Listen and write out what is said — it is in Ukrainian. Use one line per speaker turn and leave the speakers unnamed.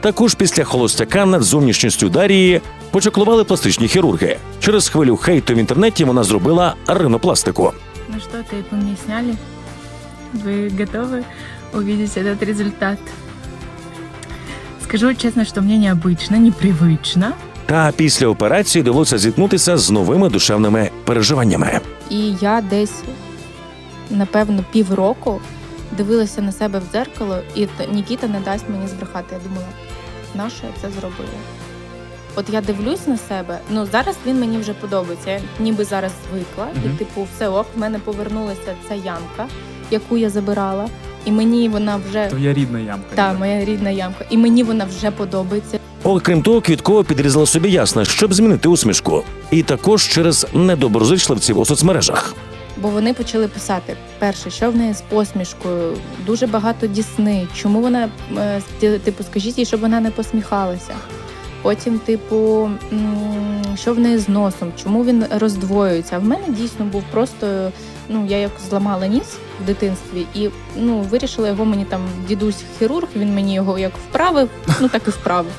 Також після холостяка над зовнішністю Дарії почаклували пластичні хірурги. Через хвилю хейту в інтернеті вона зробила ринопластику.
Ну что, тейпы мне сняли. Вы готовы увидеть этот результат? Скажу честно, что мне необычно, непривычно.
Та після операції довелося зіткнутися з новими душевними переживаннями.
І я десь, напевно, півроку дивилася на себе в дзеркало, і Нікіта не дасть мені збрехати. Я думала, нащо я це зробила? От я дивлюсь на себе, ну зараз він мені вже подобається, я ніби зараз звикла, і типу все ок, в мене повернулася ця ямка, яку я забирала, і мені вона вже...
Твоя рідна ямка.
Так, моя рідна ямка, і мені вона вже подобається.
Окрім того, Квіткова підрізала собі ясна, щоб змінити усмішку. І також через недоброзичливців у соцмережах.
Бо вони почали писати, перше, що в неї з посмішкою, дуже багато дісни, чому вона, типу, скажіть їй, щоб вона не посміхалася. Потім, типу, що в неї з носом, чому він роздвоюється. А в мене дійсно був просто, ну, я як зламала ніс в дитинстві і, ну, вирішила його мені там, дідусь-хірург, він мені його як вправив, ну так і вправив.